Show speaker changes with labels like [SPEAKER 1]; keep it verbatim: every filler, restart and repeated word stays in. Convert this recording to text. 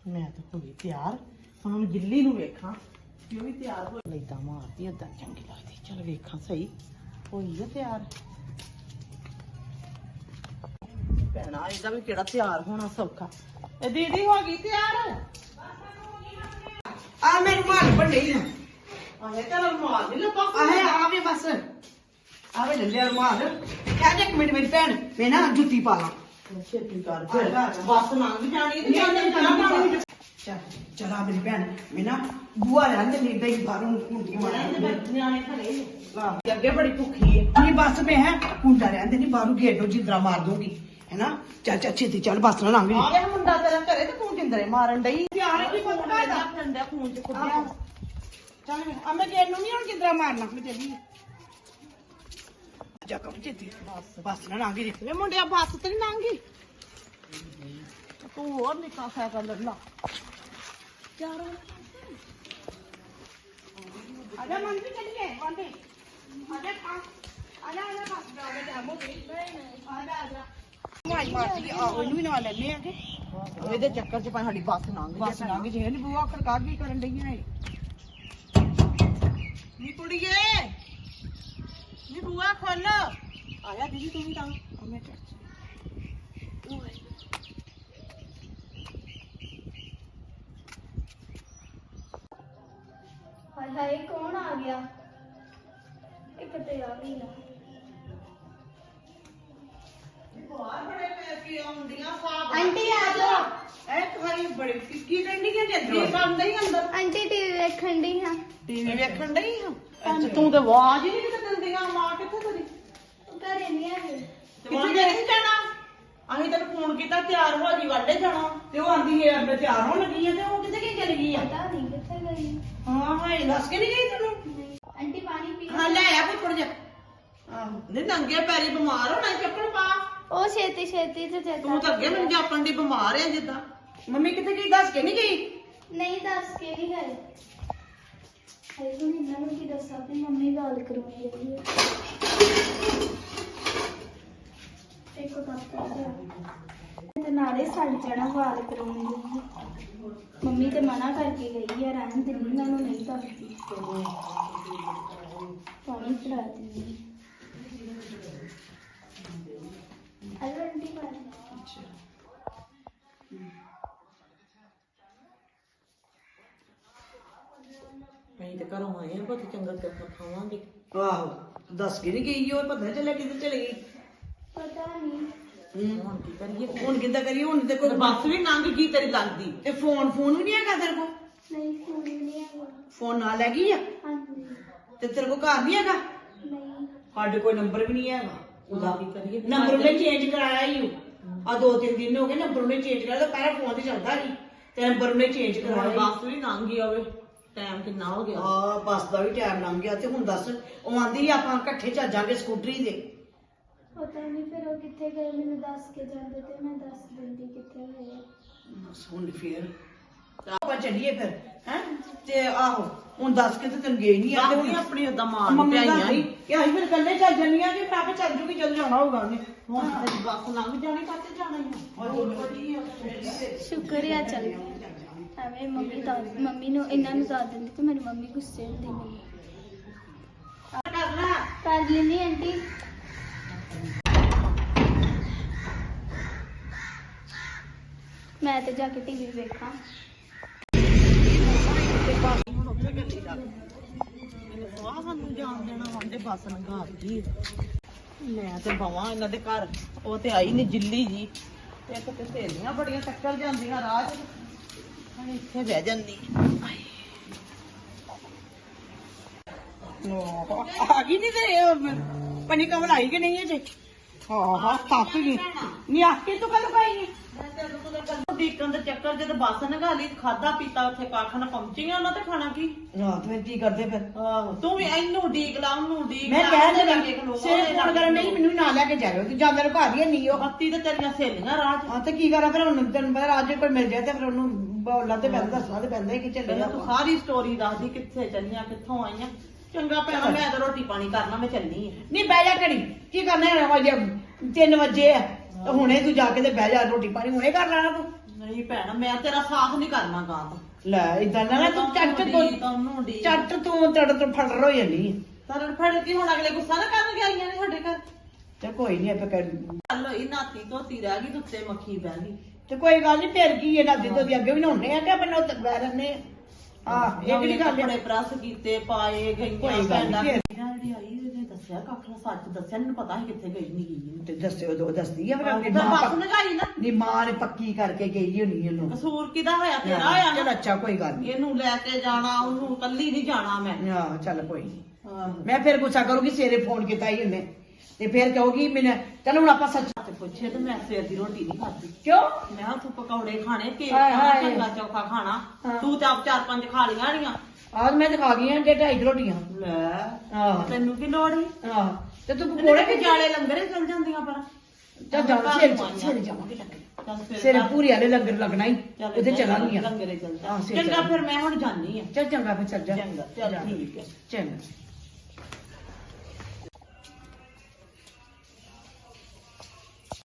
[SPEAKER 1] ਮੈਂ ਤਾਂ ਹੋ ਗਈ ਤਿਆਰ। ਹੁਣ ਉਹਨੂੰ ਗਿੱਲੀ ਨੂੰ ਵੇਖਾਂ ਕਿ ਉਹ ਵੀ ਤਿਆਰ ਹੋ ਲੈਦਾ ਮਾਰਦੀ ਓਦਾਂ ਚੰਗੀ ਲੱਗਦੀ। ਚਲ ਵੇਖਾਂ ਸਹੀ ਹੋਈ ਆ ਤਿਆਰ। ਭੈਣਾ ਇਹਦਾ ਵੀ ਕਿਹੜਾ ਤਿਆਰ ਹੋਣਾ ਸੌਖਾ। ਇਹ ਦੀਦੀ ਹੋ ਗਈ ਤਿਆਰ।
[SPEAKER 2] ਆ ਮੈਂ ਰੁਮਾਲ ਵੱਡੇ ਹੀ ਨਾ
[SPEAKER 1] ਆਹੇ ਚਲ ਮਾਰ ਨਹੀਂ ਲੱਗਾ
[SPEAKER 2] ਆਹੇ ਆਵੇ ਬਸ ਆਵੇ ਲੈ ਲਿਆ ਰੁਮਾਲ। ਕਹਿ ਦੇ ਇੱਕ ਮਿੰਟ ਮੇਰੀ ਭੈਣ ਮੈਂ ਨਾ ਜੁੱਤੀ ਪਾ ਲਾਂ।
[SPEAKER 1] ਛੇਤੀ ਕਰ ਬਸ ਲੰਘ ਜਾਣੀ ਤੇ ਚੱਲ ਚੱਲ
[SPEAKER 2] ਚੱਲ ਚਲਾ ਮੇਰੀ ਭੈਣ ਮੈਂ ਨਾ ਬੂਆ ਰਹਿੰਦੇ ਨਹੀਂ ਦਈ ਬਾਹਰੋਂ ਕੁੰਡੀ ਮਾਰਦੇ
[SPEAKER 1] ਨਿਆਣੇ ਖੜੇ
[SPEAKER 2] ਵਾਹ
[SPEAKER 1] ਅੱਗੇ ਬੜੀ ਭੁੱਖੀ ਹੈ।
[SPEAKER 2] ਨਹੀਂ ਬਸ ਮੈਂ ਹੈ ਕੁੰਡਾ ਰਹਿੰਦੇ ਨਹੀਂ ਬਾਹਰੋਂ ਗੇਟੋ ਜਿੰਦਰਾ ਮਾਰ ਦੂੰਗੀ ਹੈਨਾ। ਚੱਲ ਚੱਲ ਛੇਤੀ ਚੱਲ ਬਸ ਨਾ ਲੰਘ
[SPEAKER 1] ਆ ਗਿਆ ਮੁੰਡਾ ਤੇਰਾ ਘਰੇ ਤੇ ਤੂੰ ਜਿੰਦਰੇ ਮਾਰਨ ਡਈ।
[SPEAKER 2] ਪਿਆਰ ਕੀ ਪਤਾ ਦਾ
[SPEAKER 1] ਫੰਦਾ ਖੂਨ ਚ ਖੁੱਡਿਆ।
[SPEAKER 2] ਚੱਲ ਆ ਮੈਂ ਗੇਟ ਨੂੰ ਨਹੀਂ ਹੁਣ ਜਿੰਦਰਾ ਮਾਰਨਾ ਮੈਂ ਚੱਲੀ ਜਾ ਕੰਮ ਛੇਤੀ
[SPEAKER 1] ਬਸ
[SPEAKER 2] ਬਸ ਨਾ ਲੰਘ ਜੀ
[SPEAKER 1] ਵੇ ਮੁੰਡਿਆ ਬੱਸ ਤੇ ਨਹੀਂ ਲੰਘੀ। ਤੂੰ ਹੋਰ ਨਿੱਕਾ ਸਾਈਕਲ ਲੈ ਲਾ।
[SPEAKER 2] ਚਾਰੋ ਆਜਾ ਮਨ ਵੀ ਚੱਲੀਏ ਬੰਦੇ ਆਜਾ ਆ ਆਜਾ ਆਜਾ ਬਸ ਦਾ ਜਾਮੋ ਨਹੀਂ ਨਹੀਂ ਆਜਾ ਆਜਾ ਮਾਈ ਮਾਰਦੀ ਆ ਉਹਨੂੰ ਵੀ ਨਾਲ ਲੈਣੇ ਆ ਕਿ
[SPEAKER 1] ਇਹਦੇ ਚੱਕਰ ਚ ਭਾਵੇਂ ਸਾਡੀ ਬੱਸ ਲੰਘ
[SPEAKER 2] ਬਸ ਲੰਘ ਜੇ ਨਹੀਂ ਬੂਆ ਖੜਕਾ ਕੀ ਕਰਨ ਡਈਆਂ ਏ
[SPEAKER 1] ਨੀ ਕੁੜੀਏ ਨੀ ਬੂਆ ਖੋਲ। ਆਇਆ ਦੀਦੀ ਤੂੰ ਵੀ ਤਾਂ
[SPEAKER 2] ਮੈਂ ਚੱਲ
[SPEAKER 3] ਹਾਏ ਹਾਏ ਕੌਣ ਆ ਗਿਆ? ਇੱਕ ਤੇ ਆ ਵੀ ਨਾ
[SPEAKER 1] ਬਾਹਰ ਬੜੇ ਪੈਸੇ ਆਉਂਦੀਆਂ ਸਾਬ
[SPEAKER 3] ਆਂਟੀ ਆ ਜਾਓ।
[SPEAKER 1] ਐ ਤੁਹਾਡੀ ਬੜੀ ਕੀ ਕਰਨੀ ਕਿ ਜੱਦੀ ਬੰਦ ਹੀ ਅੰਦਰ
[SPEAKER 3] ਆਂਟੀ ਟੀਵੀ ਵੇਖਣ ਦੀ ਹਾਂ।
[SPEAKER 1] ਟੀਵੀ ਵੇਖਣ ਡਈ ਹਾਂ। ਤੂੰ ਤੇ ਆਵਾਜ਼ ਹੀ ਨਹੀਂ ਕਿਤੇ ਦਿੰਦੀਆਂ। ਮਾਂ ਕਿੱਥੇ ਤੇਰੀ?
[SPEAKER 3] ਘਰੇ ਨਹੀਂ ਆਏ।
[SPEAKER 1] ਕਿੱਥੇ ਨਹੀਂ ਜਾਣਾ? ਅਸੀਂ ਤੈਨੂੰ ਫੋਨ ਕੀਤਾ ਤਿਆਰ ਹੋ ਜੀ ਵਾਡੇ ਜਾਣਾ।
[SPEAKER 2] ਤੇ ਉਹ ਆਂਦੀ ਹੈ ਮੈਂ ਤਿਆਰ ਹੋਣ ਲੱਗੀ ਆ ਤੇ ਉਹ ਕਿੱਥੇ ਕੀ ਚਲੀ ਗਈ ਆ?
[SPEAKER 3] ਪਤਾ ਨਹੀਂ ਕਿੱਥੇ ਗਈ।
[SPEAKER 2] ਹਾਂ ਹਾਂ ਦੱਸ ਕੇ ਨਹੀਂ ਗਈ ਤੈਨੂੰ?
[SPEAKER 3] ਨਹੀਂ ਆਂਟੀ ਪਾਣੀ ਪੀ
[SPEAKER 1] ਹਾਂ ਲੈ ਆ ਕੋਈ ਥੋੜਾ ਜਿਹਾ। ਆਹੋ ਨਹੀਂ ਨੰਗੇ ਪੈਰੀ ਬਿਮਾਰ ਹੋਣਾ ਚੱਪਲ ਪਾ।
[SPEAKER 3] ਉਹ ਛੇਤੀ ਛੇਤੀ ਤੇ ਚੇਤਾ
[SPEAKER 1] ਤੂੰ ਤਾਂ ਅੱਗੇ ਮੈਨੂੰ ਜਾਪਣ ਦੀ ਬਿਮਾਰ ਆ ਜਿੱਦਾਂ।
[SPEAKER 2] ਮੰਮੀ ਕਿੱਥੇ ਗਈ ਦੱਸ ਕੇ ਨਹੀਂ ਗਈ?
[SPEAKER 3] ਨਹੀਂ ਦੱਸ ਕੇ ਨਹੀਂ ਗਏ। ਹਾਏ ਹੁਣ ਇਹਨਾਂ ਨੂੰ ਕੀ ਦੱਸਾਂ ਤੇ ਮੰਮੀ ਗੱਲ ਕਰੂਗੀ ਇਹਦੀ। ਇੱਕ ਕੱਪ ਤੇ ਨਾਲੇ ਸੜ ਜਾਣਾ ਵਾਲ ਕਰਾਉਣੀ। ਮੰਮੀ ਤੇ ਮਨਾ ਕਰਕੇ ਗਈ ਆ ਰਹਿਣ ਦੇ ਨਹੀਂ ਇਹਨਾਂ ਨੂੰ ਨਹੀਂ ਦੱਸਦੀ। ਪਾਣੀ ਫੜਾ ਦਿੰਦੀ। ਅਰੇ ਆਂਟੀ ਪਾਣੀ
[SPEAKER 1] ਅਸੀਂ ਤੇ ਘਰੋਂ ਆਏ ਆ ਬਹੁਤ ਚੰਗਾ ਚੱਪਲ ਖਾਵਾਂਗੇ।
[SPEAKER 2] ਆਹੋ ਦੱਸ ਕੇ ਨਹੀਂ ਗਈ ਉਹ ਪਤਾ ਚੱਲਿਆ ਕਿੱਥੇ ਚਲੀ ਗਈ।
[SPEAKER 3] ਪਤਾ ਨਹੀਂ
[SPEAKER 1] ਹੁਣ ਕੀ ਕਰੀਏ?
[SPEAKER 2] ਹੁਣ ਕਿੱਦਾਂ ਕਰੀਏ ਹੁਣ ਤੇ ਕੋਈ
[SPEAKER 1] ਬੱਸ ਵੀ ਲੰਘ ਗਈ ਤੇਰੀ ਲੱਗਦੀ।
[SPEAKER 2] ਤੇ ਫੋਨ ਫੋਨ ਵੀ ਨਹੀਂ ਹੈਗਾ ਤੇਰੇ ਕੋਲ?
[SPEAKER 3] ਨਹੀਂ ਫੋਨ ਨਹੀਂ ਆਇਆ।
[SPEAKER 2] ਫੋਨ ਨਾਲ ਲੈ ਗਈ ਆ
[SPEAKER 3] ਹਾਂਜੀ
[SPEAKER 2] ਤੇ ਤੇਰੇ ਕੋਲ ਘਰ ਨਹੀਂ ਹੈਗਾ?
[SPEAKER 3] ਨਹੀਂ
[SPEAKER 2] ਸਾਡੇ ਕੋਲ ਨੰਬਰ ਵੀ ਨਹੀਂ ਹੈਗਾ ਉਹਦਾ।
[SPEAKER 1] ਕੀ ਕਰੀਏ?
[SPEAKER 2] ਨੰਬਰ ਉਹਨੇ ਚੇਂਜ ਕਰਾਇਆ ਹੀ ਆ ਦੋ ਤਿੰਨ ਦਿਨ ਹੋ ਗਏ ਨੰਬਰ ਉਹਨੇ ਚੇਂਜ ਕਰਾਇਆ। ਪਹਿਲਾਂ ਫੋਨ ਤੇ ਚੱਲਦਾ ਸੀ ਤੇ ਨੰਬਰ ਉਹਨੇ ਚੇਂਜ
[SPEAKER 1] ਹੁਣ
[SPEAKER 2] ਕਰਾਇਆ।
[SPEAKER 1] ਬੱਸ ਵੀ ਲੰਘ ਗਈ ਹੋਵੇ। ਟਾਈਮ ਕਿੰਨਾ ਹੋ ਗਿਆ?
[SPEAKER 2] ਆ ਬੱਸ ਦਾ ਵੀ ਟਾਈਮ ਲੰਘ ਗਿਆ ਤੇ ਹੁਣ ਦੱਸ ਉਹ ਆਂਦੀ ਆਪਾਂ ਇਕੱਠੇ ਚੱਜਾਂਗੇ ਸਕੂਟਰੀ ਦੇ।
[SPEAKER 3] ਪਤਾ ਨਹੀਂ ਫਿਰ ਉਹ ਕਿੱਥੇ ਗਏ ਮੈਨੂੰ ਦੱਸ ਕੇ ਜਾਂਦੇ ਤੇ ਮੈਂ ਦੱਸ ਦਿੰਦੀ ਕਿੱਥੇ ਗਏ।
[SPEAKER 2] ਬਸ ਹੁਣ ਫੇਰ ਆਪਾਂ ਚੱਲੀਏ ਫਿਰ ਹੈ ਤੇ ਆਹੋ ਹੁਣ ਦੱਸ ਕੇ ਤੇ ਤੈਨੂੰ ਗਈ ਨਹੀਂ ਆ ਤੇ
[SPEAKER 1] ਆਪਣੀ
[SPEAKER 2] ਹੁਣ
[SPEAKER 1] ਆਪਣੀ ਓਦਾਂ ਮਾਂ
[SPEAKER 2] ਮੰਮੀ
[SPEAKER 1] ਨੂੰ
[SPEAKER 2] ਦਾ
[SPEAKER 1] ਭਿਆਈਆਂ ਹੀ।
[SPEAKER 2] ਕਿ ਅਸੀਂ ਫਿਰ ਇਕੱਲੇ ਚੱਲ ਜੰਨੀਆਂ ਕਿ ਮੈਂ ਆਪੇ ਚੱਲ ਜੂਗੀ ਜਦੋਂ ਜਾਣਾ ਹੋਊਗਾ ਉਹਨੇ।
[SPEAKER 1] ਹੁਣ ਤੇਰੀ ਬੱਸ ਲੰਘ ਜਾਣੀ ਕੱਤੇ ਜਾਣਾ ਹੀ ਆ।
[SPEAKER 3] ਸ਼ੁਕਰ ਆ ਚੱਲ ਐਵੇਂ ਮੰਮੀ ਦਾ ਮੰਮੀ ਨੂੰ ਇਹਨਾਂ ਨੂੰ ਦੱਸ ਦਿੰਦੀ ਤੇ ਮੇਰੀ ਮੰਮੀ ਗੁੱਸੇ ਹੁੰਦੀ ਮੈਨੂੰ।
[SPEAKER 1] ਕਰ ਲੈ।
[SPEAKER 3] ਕਰ ਲੈਂਦੀ ਆਂਟੀ। ਮੈਂ ਤੇ ਜਾ ਕੇ ਟੀਵੀ ਵੇਖਾਂ।
[SPEAKER 1] ਹੁਣ ਉੱਥੇ ਗੱਡੀ ਲੱਗ ਮੈਨੂੰ ਸਵਾਹ ਸਾਨੂੰ ਜਾਣ ਦੇਣਾ ਵਾਂਦੇ ਬੱਸ ਲੰਘਾ ਦਿੱਤੀ। ਮੈਂ ਤੇ ਬਵਾਂ ਇਹਨਾਂ ਦੇ ਘਰ। ਉਹ ਤੇ ਆਈ ਨਹੀਂ ਜਿੱਲੀ ਜੀ। ਇੱਕ ਤੇ ਸਹੇਲੀਆਂ ਬੜੀਆਂ ਟੱਕਰ ਜਾਂਦੀਆਂ ਰਾਹ 'ਚ। ਹੁਣ ਇੱਥੇ ਬਹਿ ਜਾਂਦੀ।
[SPEAKER 2] ਆ ਗਈ ਨਹੀਂ ਤੇ ਪਨੀ ਕਮਲ ਆਈ ਕਿ ਨਹੀਂ ਅਜੇ? ਹਾਂ ਹਾਂ ਥੱਕ ਗਈ ਨਹੀਂ ਆ ਕੇ ਤੂੰ ਕੱਲ ਪਾਈ ਹੈ
[SPEAKER 1] ਦੇਖਣ ਦੇ ਚੱਕਰ ਜਦ ਬੱਸ ਨਗਾ ਲਈ ਖਾਦਾ ਪੀਤਾ ਉੱਥੇ ਕਾਖਣ ਪਹੁੰਚੀਆਂ ਉਹਨਾਂ ਤੇ ਖਾਣਾ ਕੀ?
[SPEAKER 2] ਰਾਤ ਵਿੱਚ ਕੀ ਕਰਦੇ ਫਿਰ?
[SPEAKER 1] ਆਹੋ ਤੂੰ ਵੀ ਇਹਨੂੰ ਡੀਕ ਲਾ ਉਹਨੂੰ ਡੀਕ
[SPEAKER 2] ਮੈਂ
[SPEAKER 1] ਲਾ,
[SPEAKER 2] ਕਹਿ
[SPEAKER 1] ਉਹਦੇ
[SPEAKER 2] ਦਿੰਦਾ
[SPEAKER 1] ਲਾਗੇ ਖਲੋ,
[SPEAKER 2] ਸਿਰ
[SPEAKER 1] ਉਹਦੇ
[SPEAKER 2] ਫੋਨ ਕਰਨ ਨਹੀਂ ਮੈਨੂੰ ਵੀ ਨਾਲ ਲੈ ਕੇ ਜਾਇਓ ਤੇ ਜਾਂ ਮੇਰੇ ਘਰ ਹੀ ਨਹੀਂ ਉਹ।
[SPEAKER 1] ਬੱਤੀ ਤੇ ਤੇਰੀਆਂ ਸਹੇਲੀਆਂ ਰਾਹ 'ਚ।
[SPEAKER 2] ਹਾਂ ਤੇ ਕੀ ਕਰਾਂ ਫਿਰ ਹੁਣ ਤੈਨੂੰ ਪਤਾ ਅੱਜ ਕੋਈ ਮਿਲ ਜਾਏ ਤੇ ਫਿਰ ਉਹਨੂੰ ਬੋਲਾਂ ਤੇ ਪੈਂਦਾ ਦੱਸਣਾ ਤੇ ਪੈਂਦਾ ਹੀ ਕਿ ਚੱਲੇ
[SPEAKER 1] ਪਹਿਲਾਂ ਤੂੰ ਸਾਰੀ ਸਟੋਰੀ ਦੱਸਦੀ ਕਿੱਥੇ ਚੱਲੀਆਂ ਕਿੱਥੋਂ ਆਈਆਂ। ਚੰਗਾ ਭੈਣਾ ਮੈਂ ਤਾਂ ਰੋਟੀ ਪਾਣੀ ਕਰਨਾ ਮੈਂ ਚੱਲਣੀ ਆ।
[SPEAKER 2] ਨਹੀਂ ਬਹਿ ਜਾ ਘੜੀ ਕੀ ਕਰਨਾ ਹੈ ਵਜੇ ਤਿੰਨ ਵਜੇ ਆ ਤੇ ਹੁਣੇ ਤੂੰ ਜਾ ਕੇ ਤੇ ਬਹਿ ਜਾ ਰੋਟੀ ਪਾਣੀ ਹੁਣੇ ਕਰ ਲੈਣਾ ਤੂੰ।
[SPEAKER 1] ਨਹੀਂ ਭੈਣ ਮੈਂ ਤੇਰਾ ਸਾਥ ਨਹੀਂ ਕਰਨਾ ਗਾਂ ਤੋਂ
[SPEAKER 2] ਲੈ ਇਦਾਂ ਨਾ ਤੂੰ ਚੱਟ ਤੂੰ
[SPEAKER 1] ਤੈਨੂੰ ਡੀ
[SPEAKER 2] ਚੱਟ ਤੂੰ ਤੜ ਤੋਂ ਫੜ ਰੋ ਜਾਂਦੀ
[SPEAKER 1] ਤਰੜ ਫੜ ਕੇ ਹੁਣ ਅਗਲੇ ਗੁੱਸਾ ਨਾ ਕਰਨ ਆਈਆਂ ਨੇ ਸਾਡੇ ਘਰ
[SPEAKER 2] ਤੇ ਕੋਈ ਨਹੀਂ ਆਪੇ ਕਰ
[SPEAKER 1] ਚੱਲ ਇਹ ਨਾਤੀ ਧੋਤੀ ਰਹਿ ਗਈ ਤੇ ਉੱਤੇ ਮੱਖੀ ਬਹਿ ਗਈ
[SPEAKER 2] ਤੇ ਕੋਈ ਗੱਲ ਨਹੀਂ ਫੇਰ ਕੀ ਇਹਨਾਂ ਦੀ ਤੋਂ ਅੱਗੇ ਵੀ ਨਹਾਉਣੇ ਆ ਕਿ ਆਪਾਂ ਨੋ ਬੈ ਰਹਿੰਦੇ ਆ ਇਹ ਕਿਹੜੀ ਗੱਲ
[SPEAKER 1] ਬੜੇ
[SPEAKER 2] ਹੈ
[SPEAKER 1] ਪ੍ਰੈਸ ਕੀਤੇ ਪਾਏ ਗਈਆਂ
[SPEAKER 2] ਕੋਈ ਗੱਲ ਨੀ,
[SPEAKER 1] ਭੈਣਾਂ
[SPEAKER 2] ਫੇਰ।
[SPEAKER 1] ਜਿਹੜੀ ਆਈ ਇਹਨੇ ਦੱਸਿਆ ਕੱਖ ਨਾ ਸੱਚ ਦੱਸਿਆ ਮੈਨੂੰ ਪਤਾ ਸੀ ਕਿੱਥੇ ਗਈ ਨਹੀਂ ਗਈ
[SPEAKER 2] ਤੇ ਦੱਸਿਓ ਦੋ ਦੱਸਦੀ ਆ ਫਿਰ ਆਪਣੀ
[SPEAKER 1] ਤਾਂ
[SPEAKER 2] ਮਾਂ
[SPEAKER 1] ਬਸ
[SPEAKER 2] ਪੱਕ-
[SPEAKER 1] ਨਗਾਈ ਨਾ
[SPEAKER 2] ਨੀ ਮਾਂ ਨੇ ਪੱਕੀ ਕਰਕੇ ਗਈ ਹੋਣੀ ਇਹਨੂੰ
[SPEAKER 1] ਕਸੂਰ ਕਿਹਦਾ ਹੋਇਆ ਤੇਰਾ ਹੋਇਆ
[SPEAKER 2] ਚਲ
[SPEAKER 1] ਨਾ
[SPEAKER 2] ਅੱਛਾ ਕੋਈ ਗੱਲ ਨਹੀਂ
[SPEAKER 1] ਇਹਨੂੰ ਲੈ ਕੇ ਜਾਣਾ ਉਹਨੂੰ ਕੱਲੀ ਨਹੀਂ ਜਾਣਾ ਮੈਂ
[SPEAKER 2] ਹਾਂ ਚੱਲ ਕੋਈ ਨਹੀਂ
[SPEAKER 1] ਆਹੋ।
[SPEAKER 2] ਮੈਂ ਫਿਰ ਗੁੱਸਾ ਕਰੂੰਗੀ ਸਵੇਰੇ ਫੋਨ ਕੀਤਾ ਹੀ ਉਹਨੇ ਤੇ ਫਿਰ ਕਹੂਗੀ ਮੈਨੂੰ ਚਲ ਹੁਣ ਆਪਾਂ ਸੱਚ
[SPEAKER 1] ਤੇ ਪੁੱਛੇ ਤੇ ਮੈਂ ਸਵੇਰ ਦੀ ਰੋਟੀ ਨਹੀਂ ਖਾਧੀ
[SPEAKER 2] ਕਿਉਂ
[SPEAKER 1] ਮੈਂ ਕਿਹਾ ਤੂੰ ਪਕੌੜੇ ਖਾਣੇ ਕੇਕ
[SPEAKER 2] ਹਾਏ
[SPEAKER 1] ਖਾਣਾ
[SPEAKER 2] ਹਾਏ।
[SPEAKER 1] ਚੰਗਾ ਚੌਖਾ ਖਾਣਾ
[SPEAKER 2] ਹਾਂ।
[SPEAKER 1] ਤੂੰ ਤਾਂ ਆਪ ਚਾਰ ਪੰਜ ਖਾ ਲੀਆਂ ੜੀਆਂ
[SPEAKER 2] ਆਜ ਮੈਂ ਤੇ ਖਾ ਗਈਆਂ ਜੇ ਢਾਈ ਕੁ ਰੋਟੀਆਂ
[SPEAKER 1] ਲੈ
[SPEAKER 2] ਆਹ
[SPEAKER 1] ਤੈਨੂੰ ਕੀ ਲੋੜ ਸੀ
[SPEAKER 2] ਆਹ ਤੇ ਤੂੰ
[SPEAKER 1] ਕੋੜੇ
[SPEAKER 2] ਪਕੌੜੇ
[SPEAKER 1] ਕਿ ਜਾਲੇ ਲੰਗਰੇ ਚਲ ਜਾਂਦੀਆਂ ਪਰ
[SPEAKER 2] ਚੱਲ ਜਾ ਸਵੇਰੇ ਸਵੇਰੇ ਜਾਵਾਂਗੇ ਲੰਗਰ
[SPEAKER 1] ਚੱਲ ਫਿਰ
[SPEAKER 2] ਸਵੇਰੇ
[SPEAKER 1] ਚੱਲ।
[SPEAKER 2] ਪੂਰੀ ਵਾਲੇ ਲੰਗਰ ਲੱਗਣਾ ਹੀ
[SPEAKER 1] ਚੱਲ
[SPEAKER 2] ਉਹਦੇ
[SPEAKER 1] ਏਦਾਂ
[SPEAKER 2] ਚਲਾਂਗੀਆਂ
[SPEAKER 1] ਲੰਗਰੇ ਚੱਲ ਜਾ
[SPEAKER 2] ਹਾਂ, ਸਵੇਰੇ
[SPEAKER 1] ਚੰਗਾ
[SPEAKER 2] ਚੱਲ।
[SPEAKER 1] ਫਿਰ ਮੈਂ ਹੁਣ ਜਾਣੀ ਆ
[SPEAKER 2] ਚੱਲ ਚੰਗਾ ਫਿਰ ਚੱਲ ਜਾ
[SPEAKER 1] ਚੰਗਾ ਚੱਲ
[SPEAKER 2] ਜਾ।
[SPEAKER 1] ਠੀਕ ਹੈ
[SPEAKER 2] ਚੰਗਾ